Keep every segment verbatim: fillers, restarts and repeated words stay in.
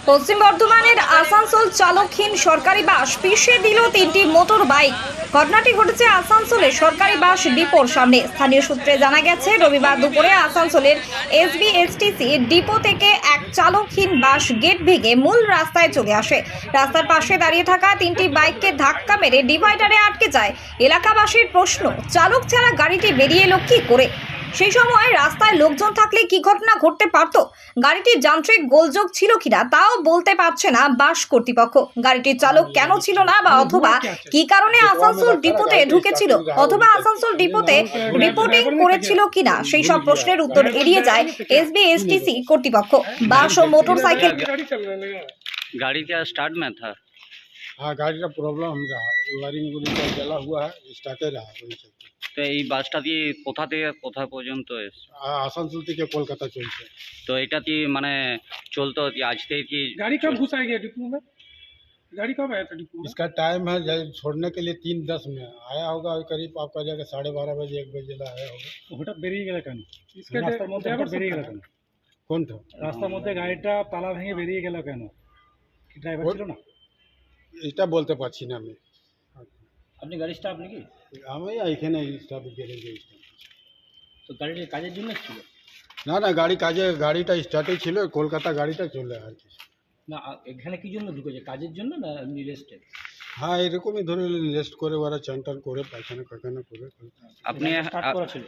পশ্চিম বর্ধমানের আসানসোল চালকহীন সরকারি বাস পিষে দিল তিনটি মোটর বাইক। ঘটনাটি ঘটেছে আসানসোলের সরকারি বাস ডিপোর সামনে। স্থানীয় সূত্রে জানা গেছে, রবিবার দুপুরে আসানসোলের এসবিএসটিসি ডিপো থেকে এক চালকহীন বাস গেট ভেঙে মূল রাস্তায় চলে আসে। রাস্তার পাশে দাঁড়িয়ে থাকা তিনটি বাইককে ধাক্কা মেরে ডিভাইডারে আটকে যায়। এলাকাবাসীর প্রশ্ন, চালক ছাড়া গাড়িটি বেরিয়ে এলো কি করে? সেই সময় রাস্তায় লোকজন থাকলে কি ঘটনা ঘটতে পারত? গাড়িটির যান্ত্রিক গোলযোগ ছিল কিনা তাও বলতে পারছে না বাস কর্তৃপক্ষ। গাড়িটির চালক কেন ছিল না বা অথবা কি কারণে আসানসোল ডিপোতে ঢুকেছিল অথবা আসানসোল ডিপোতে রিপোর্টিং করেছিল কিনা সেই সব প্রশ্নের উত্তর এড়িয়ে যায় एसबीएसटीसी কর্তৃপক্ষ। বাস ও মোটরসাইকেল गाड़ी क्या स्टार्ट में था? हाँ, गाड़ी का प्रॉब्लम हम रहा वायरिंग का जला हुआ है, स्टार्टे रहा वही सब। তো এই বাসটা দিয়ে কোথা থেকে কোথা পর্যন্ত এসছে? आसनसोल থেকে কলকাতা চলছে। তো এটা কি মানে চলতো কি আজ থেকে কি गाड़ी कब घुसाई गया डिपो में? गाड़ी कब आया था डिपो में? इसका टाइम है जब छोड़ने के लिए तीन दस में आया होगा, करीब आपका जगह साढ़े बारह बजे एक बजे ला आया होगा। হঠাৎ বেরিয়ে গেল কেন? রাস্তার মধ্যে হঠাৎ বেরিয়ে গেল কেন? কোনটা রাস্তার মধ্যে গাড়িটা তালা ভেঙে বেরিয়ে গেল কেন? কি ড্রাইভার ছিল না? এটা বলতে পারছি না আমি। আপনি গাড়ি স্টাফ নাকি? আমি এখানে স্টাফ গ্যারেজে স্টাফ। তো গাড়িটা কাজের জন্য ছিল না না, গাড়ি কাজে গাড়িটা স্টার্টে ছিল, কলকাতা গাড়িটা চলে আর কি। না? এখানে কি জন্য ঢুকেছে? কাজের জন্য না রেস্টে? হ্যাঁ, এরকমই ধরে রেস্ট করে ওরা চান টান করে পায়খানা পায়খানা করে। আপনি স্টার্ট করা ছিল?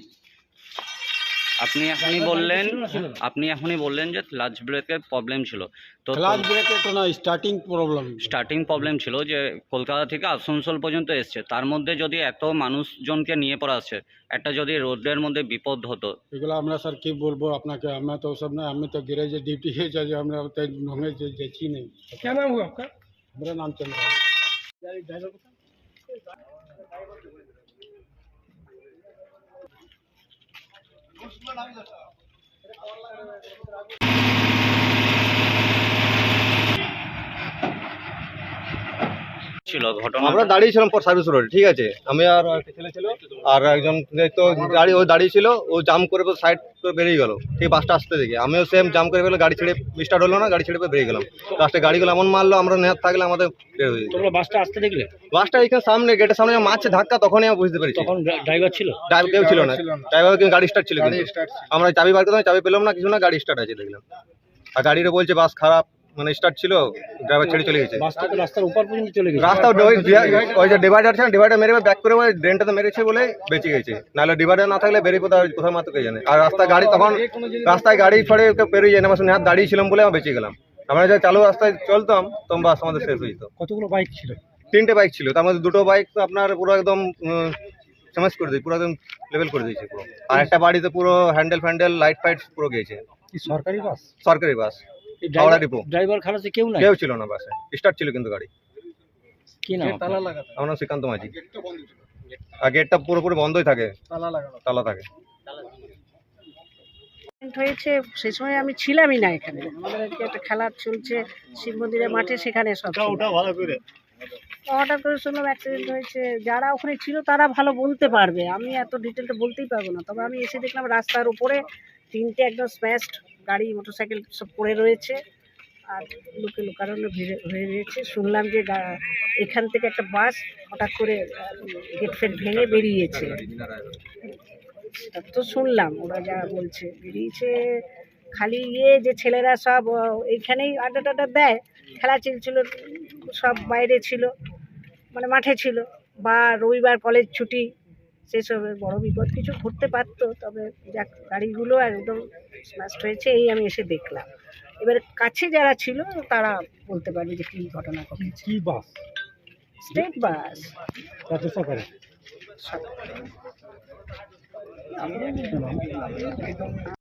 আপনি এখনই বললেন আপনি এখনই বললেন যে ক্লাচ ব্রেকের প্রবলেম ছিল। তো ক্লাচ ব্রেকে তো না, স্টার্টিং প্রবলেম। স্টার্টিং প্রবলেম ছিল যে কলকাতা থেকে আসানসোল পর্যন্ত এসছে, তার মধ্যে যদি এত মানুষজনকে নিয়ে পড়া আসছে, একটা যদি রোডের মধ্যে বিপদ হতো। এগুলো আমরা স্যার কি বলবো আপনাকে, আমরা তো সব না, আমি তো গ্যারেজে ডিউটি है যে আমরা তো ढंगे से देखी नहीं। क्या नाम हुआ आपका? मेरा नाम चंद्र। गाड़ी ड्राइवर को ছিল ঘটনা আমরা দাঁড়িয়ে ছিলাম পর সার্ভিস রোড, ঠিক আছে। আমি আর একটা ছেলে ছিল আর একজন তো গাড়ি ও দাঁড়িয়ে ছিল, ও জাম করে সাইড করে বেরিয়ে গেল, ঠিক বাসটা আসতে দেখে আমিও সেম জাম করে ফেলে গাড়ি ছেড়ে স্টার্ট হলো না, গাড়ি ছেড়ে বেরিয়ে গেলাম। লাস্টে গাড়িগুলো এমন মারলো, আমরা নেহাত থাকলে আমাদের বের হয়ে যেত। তোমরা বাসটা আসতে দেখলে? বাসটা এখানে সামনে গেটের সামনে মারছে ধাক্কা, তখনই আমি বুঝতে পেরেছি। তখন ড্রাইভার ছিল? ড্রাইভার কেউ ছিল না, ড্রাইভার কিন্তু গাড়ি স্টার্ট ছিল, কিন্তু আমরা চাবি বার করতাম, চাবি পেলাম না কিছু না, গাড়ি স্টার্ট আছে দেখলাম। আর গাড়িটা বলছে বাস খারাপ, মানে স্টার্ট ছিল, ড্রাইভার ছেড়ে চলে গেছে। বাসটা তো রাস্তার উপর পর্যন্ত চলে গেছে। রাস্তা ওই ওই যে ডিভাইডার আছে না, ডিভাইডার মেরে ব্যাক করে ওই ড্রেনটাতে মেরেছে বলে বেঁচে গেছে, নাহলে ডিভাইডার না থাকলে বেরিয়ে কোথাও কোথাও মাত্র কে জানে। আর রাস্তায় গাড়ি তখন রাস্তায় গাড়ি ফড়ে পেরিয়ে যায় না, আমার হাত দাঁড়িয়ে ছিলাম বলে আমরা বেঁচে গেলাম। আমরা যা চালু রাস্তায় চলতাম তখন বাস আমাদের শেষ হয়ে যেত। কতগুলো বাইক ছিল? তিনটে বাইক ছিল, তার মধ্যে দুটো বাইক তো আপনার পুরো একদম সমাজ করে দিয়েছে, পুরো একদম লেভেল করে দিয়েছে পুরো। আর একটা বাড়িতে পুরো হ্যান্ডেল ফ্যান্ডেল লাইট ফাইট পুরো গিয়েছে। কি সরকারি বাস? সরকারি বাস, হাওড়া ডিপো। ড্রাইভার খালাসে কেউ নাই? কেউ ছিল না বাসে, স্টার্ট ছিল কিন্তু গাড়ি। কি নাম? তালা লাগা। আমার নাম শ্রীকান্ত মাঝি। আর গেটটা পুরোপুরি বন্ধই থাকে, তালা লাগা। তালা থাকে। হয়েছে সেই সময় আমি ছিলামই না এখানে। আমাদের আজকে একটা খেলা চলছে শিব মন্দিরের মাঠে, সেখানে সব ছিল। হঠাৎ করে শুনলাম অ্যাক্সিডেন্ট হয়েছে। যারা ওখানে ছিল তারা ভালো বলতে পারবে, আমি এত ডিটেলটা বলতেই পারবো না। তবে আমি এসে দেখলাম রাস্তার উপরে তিনটে একদম স্ম্যাশড গাড়ি, মোটরসাইকেল সব পড়ে রয়েছে আর লোকে লোকারণ্য ভিড়ে হয়ে রয়েছে। শুনলাম যে এখান থেকে একটা বাস হঠাৎ করে গেট ফেট ভেঙে বেরিয়েছে, সেটা তো শুনলাম, ওরা যা বলছে বেরিয়েছে। খালি ইয়ে যে ছেলেরা সব এইখানেই আড্ডা টাড্ডা দেয়, খেলা চলছিল, সব বাইরে ছিল, মানে মাঠে ছিল, বা রবিবার কলেজ ছুটি, সেসব বড় বিপদ কিছু ঘটতে পারতো। তবে যাক, গাড়িগুলো একদম স্ম্যাশড হয়েছে, এই আমি এসে দেখলাম। এবার কাছে যারা ছিল তারা বলতে পারবে যে কী ঘটনা ঘটেছে। কি বাস? স্টেট বাস, রাজ্য সরকারের। সব